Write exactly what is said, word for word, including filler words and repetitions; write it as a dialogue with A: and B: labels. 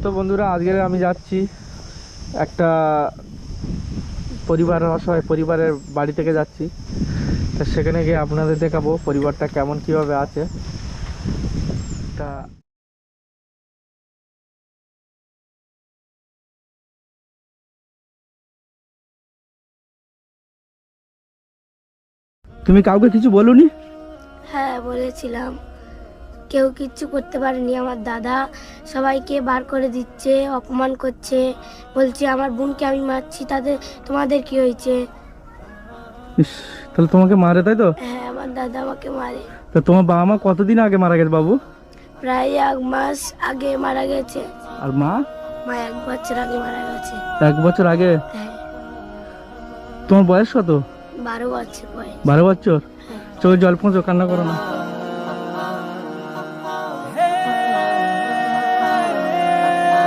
A: তো বন্ধুরা, আজকে আমি যাচ্ছি একটা পরিবার, অসহায় পরিবারের বাড়ি থেকে যাচ্ছি। তা সেখানে গিয়ে আপনাদের দেখাবো পরিবারটা কেমন কিভাবে আছে। তা তুমি কাউকে কিছু বলুনি?
B: হ্যাঁ বলেছিলাম, কেউ কিচ্ছু করতে পারেনি। আমার দাদা সবাইকে বার করে দিচ্ছে, অপমান করছে, বলছে আমার বোনকে আমি মারছি, তাদের তোমাদের কি হয়েছে?
A: ইস, তাহলে তোমাকে মারে, তাই তো?
B: হ্যাঁ, আমার দাদা আমাকে মারে।
A: তা তোমার বাবা মা কতদিন আগে মারা গেছে বাবু?
B: প্রায় এক মাস আগে মারা গেছে।
A: আর মা?
B: মা এক বছর আগে মারা গেছে।
A: এক বছর আগে?
B: হ্যাঁ।
A: তোমার বয়স কত?
B: বারো বছর বয়স।
A: বারো বছর?
B: হ্যাঁ।
A: চোখে জল পৌঁছো, কান্না করো না।